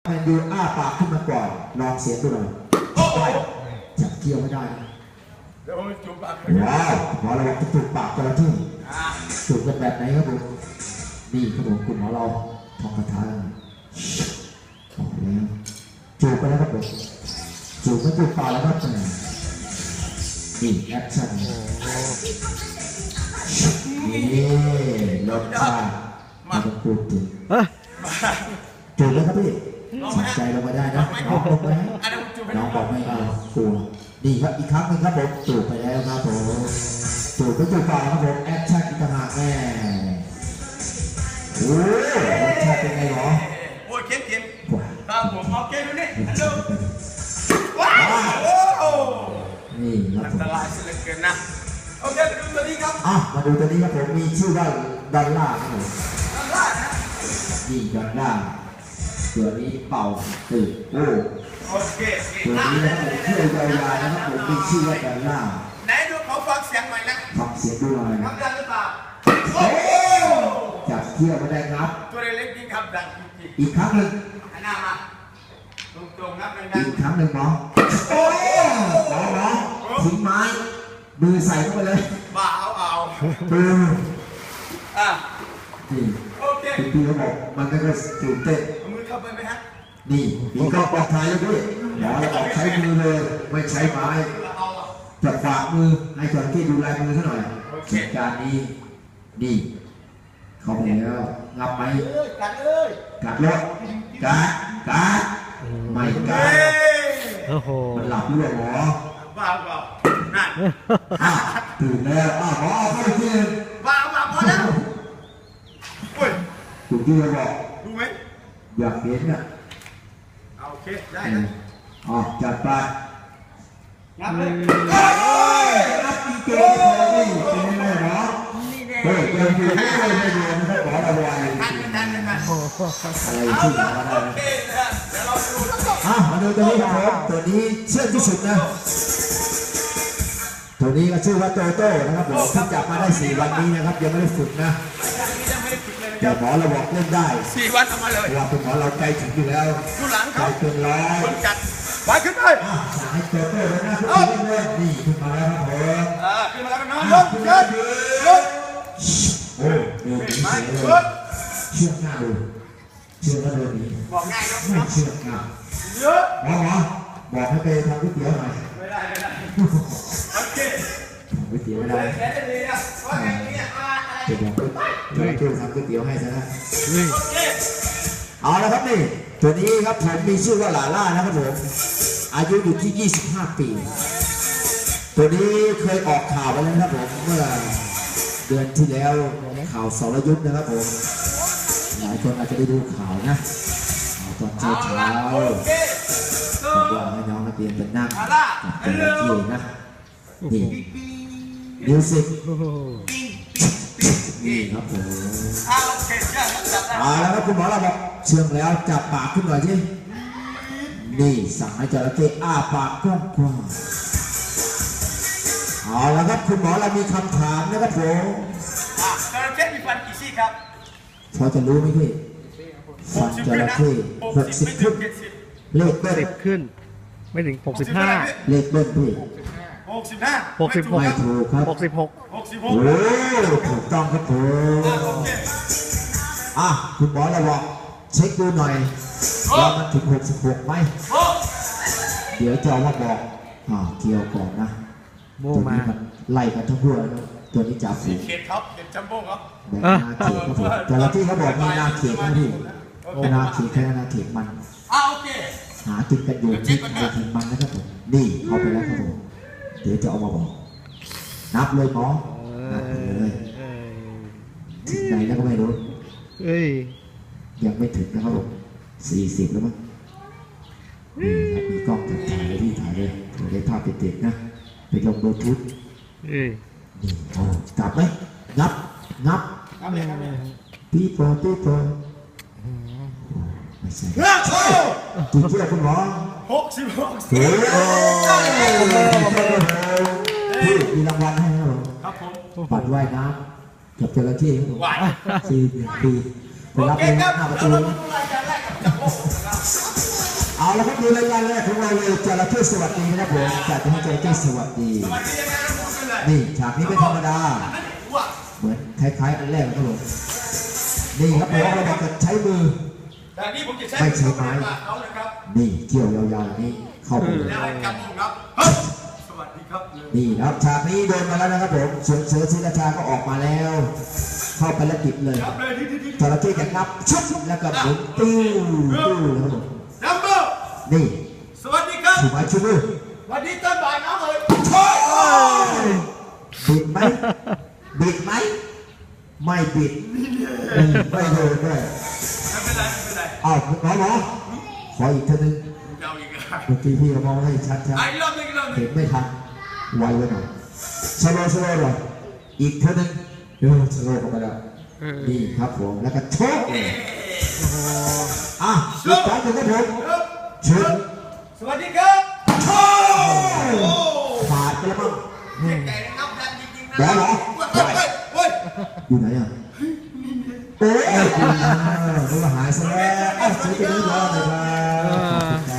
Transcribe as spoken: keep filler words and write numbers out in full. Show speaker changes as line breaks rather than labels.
นดูอ้าปากขึ้นมาก่อนลองเสียงดูหน่อยจับเกี่ยวไม่ได้
เดี๋ยวผมจูบปาก
ว้าวหมอเราจะจูบปากจระเข้จูบกันแบบไหนครับผมนี่ครับผมคุณหมอเราทองกระทะออกแล้วจูบไปแล้วครับผมจูบไม่จูบปากแล้วครับนี่แอคชั่นนี่ลดชาไม่ต้องพูดถึงจูบเลยครับพี่สนใจลงมาได้นะน้องลงไหมน้องบอกไม่เอากลัวดีครับอีกครั้งนึงครับผมจูบไปแล้วครับผมจูบไม่จูบปากครับผมแอคชั่นอีกต่างหากแม่โอ้ยรสชาติเป็นไงหรอ
โอ้ยเค็มเค็มตามผมเอาเค็มดูนี่ฮัลโหลว้าว
นี่ครับ
อันตรายสุดเหลือเกินนะโอเคไปดูตัวนี้ครับ
อ่ะมาดูตัวนี้ครับผมมีชื่อว่าดอลล่าครับผม
ดอลล่านะ
นี่ดอลล่าตัวนี้เป่าตื่นโอ้
โอเค
ตัวนี้นะครับผมชื่อยาวๆนะครับผมมีชื่อว่าดอลล่า
ไหนดูเขาฟังเสียงหน่อยนะ
ฟังเสียงดูหน่อย
ครับดังหรือเปล่า
โอ้จับเที่ยวไม่ได้ครับ
ตัวเล็กๆจริงครับดังจริง
อีกครั้งหนึ่ง
หันหน้ามาตรงๆครับดัง
อีกครั้งหนึ่งหมอโอ้หมอหมอทิ้งไม้มือใส่เข้าไปเลย
บ้าเอาเอา
มือ
อ่ะ
นี่
โอเค
พี่เขาบอกมันก็จะตื่นเต้น
มือเข้าไปไหมฮะ
นี่มีก็ปลอดภัยแล้วพี่หมอเราออกใช้มือเลยไม่ใช้ไม้จับฝากมือให้จระเข้ดูลายมือซะหน่อยเหตุการณ์นี้นี่เขาไปแล้วงับไหม
กัดเลย
กัดรถกัดกัดไม่กัดมันหลับด้วยหมอ
บ้าเปล่านั่น
ตื่นแล้วอ้าวหมอเข้าไปที่
บ้าบ้าพอแล้วอุ้ย
ถูกที่เราบอก
ดูไหม
อยากเห็นน่ะ
โอเคได้นะ
อ๋อจัดไป
งับเลย
งับจริงๆเลยนี่เป็นยังไงหรอเฮ้ยเกินไปไม่ได้ไม่ได้นะครับขอระวัง
ทันทันทัน
อะไรที่หมอได้นะ
เดี๋ยวเราดู
อ่ะมาดูตัวนี้ครับตัวนี้เชื่อที่สุดนะตัวนี้ก็ชื่อว่าโตโต้นะครับผมเพิ่งจับมาได้สี่วันนี้นะครับยังไม่ได้ฝึกนะแต่หมอเราบอกเล่นได้
สี่วันเอามาเลย
เราเป็นหมอเราใจถึงอยู่แล้วใจเกินร้อย
คนจัดไปขึ้นไป
ให้โตโต้เลยนะทุกคนเล่นนี่ขึ้นมาแล้วครับผม
อ่าขึ้นมาแล้วนะยกยกยก
โอ้เดินหนีเลยเชื่อหน้าดูเชื่อแล้วเดินหนี
บอกง่ายครับ
ไม่เชื่อหน้า
เยอะ
หมอหมอบอกให้ไปทำก๋วยเตี๋ยวหน่อย
ไม่ได้ไม่ได้โอเค
ก๋วยเตี๋ยวไม่ได้
แค่นี้นะว่าไงเนี่ยอะไร
เดี๋ยวเดี๋ยวช่วยทำก๋วยเตี๋ยวให้ซะนะเอาละครับนี่ตัวนี้ครับผมมีชื่อว่าลาล่านะครับผมอายุอยู่ที่ยี่สิบห้าปีตัวนี้เคยออกข่าวไปแล้วนะครับผมเมื่อเดือนที่แล้วข่าวสรยุทธ์นะครับผมหลายคนอาจจะได้ดูข่าวนะตอนเช้าเช้าบอกว่าให้น้องนักเรียนเป็นนั่งกับเป็นที่นะนี่มิวสิกนี่ครับผมเอาแล้วครับคุณหมอเราบอกเชื่องแล้วจับปากขึ้นหน่อยสินี่สั่งให้จระเข้อ้าปากกว้างๆเอาแล้วครับคุณหมอเรามีคำถามนะครับผม
จระเข้มีฟันกี่ซี่ครับ
พอจะรู้ไหมพี่ฟันจระเข้หกสิบขึ้นเลขเบิ้ล
ขึ้นไม่ถึงหกสิบห้า
เลขเบิ้ลพี่
หกสิบห้า
หกสิบหก
ไม่ถูกครับ
หกสิบหก
หกสิบหก
โอ้ถูกต้องครับผมอ่ะคุณหมอเราบอกเช็คดูหน่อยว่ามันถึงหกสิบหกไหมเดี๋ยวจะมาบอกอ่าเกี่ยวก่อนนะตัวนี้มันไล่กันทั้งพวกตัวนี้จ่าฝูง
เขตครับเด็กจัมโบ้ครับ
แบบนาเขตครับผมแต่ละที่เขาบอกมีนาเขตนะพี่นาเขตแค่นาเขตมัน
อ่าโอเค
หากินกันอยู่ที่นาเขตมันนะครับผมนี่เอาไปแล้วครับผมเดี๋ยวจะเอามาบอกนับเลยหมอนับเลยถึงไหนแล้วก็ไม่รู้ยังไม่ถึงนะครับผมสี่สิบแล้วมั้งนี่ครับมีกล้องถ่ายเลยที่ถ่ายเลยถ่ายได้ภาพติดๆนะไปลงบลูทูธนี่โอ้กลับไหมงับงับปีโป้ปีโป้ไม่ใช่ตัวเชื่อคุณหมอ
หกสิบหก
โอ้พี่มีรางวัลให้ครับผมปัดว่ายน้ำกับจระเข้ครับผมสี่ปีไปรับเลยหน้าประตูเอาละครับดูรายการแรกของเราเลยจระเข้สวัสดีนะครับผมจัดให้จระเข้สวัสดี
สวัสดียังไงนะพูดกันเลย
นี่ฉากนี้ไม่ธรรมดา
อันนี้ว่า
เหมือนคล้ายๆอันแรกนะครับผมนี่ครับผมเราจะใช้มือ
แต่นี่ผมจะใช้
ไม่ใช้ไม้
เขาเลยครับ
นี่เกี่ยวยาวๆนี้เข้าไปเลย
แล้วให้กำมงครับเฮ้ยสวัสดีครับ
นี่นะครับฉากนี้โดนมาแล้วนะครับผมเสือเสือศิราชาก็ออกมาแล้ว เข้าไปแล้วติดเลย
ครับเลยที่ที่ที่
จระเข้จะงับชุบแล้วก็หมุนติ้วติ้วนะครับผม
นัมเบอร์
นี่
สวัสดีครับ
ถูกไหมชูมือ
วันนี้ต้นบ่ายน้องเอ๋ย
บิดไหมบิดไหมไม่บิดอืมไม่โดนด้วย
ไม่เป็นไรไม่เป็นไร
อ้าวหมอหมอขออีกเท่านึง
เจ้าอีกแล้ว
เมื่อกี้พี่ก็มองให้ชัด
อ่ะอีกรอบหนึงอีกรอบห
ๆ
นึ
เห็
ง
นไม่ทันไวไว้หน่อยสโลว์สโลว์หน่อยอีกเท่านึงเออสโลว์เข้าไปแล้วนี่ครับผมแล้วก็โชกเลยอ่ะอีกครั้งหนึ่งครับผม
ครับ
เชิญ
สวัสดีครับ
โชกขาดไปแล้วมั้ง
ไก่นับดันจริงๆนะ
แล้วเหรอ
เฮ้ยเฮ้ยเฮ้ย
อยู่ไหนอ่ะโอ้ยคุณนึกว่าหายซะแล้วเอ้าสวัสดีครับเลยครับขอบคุณครับ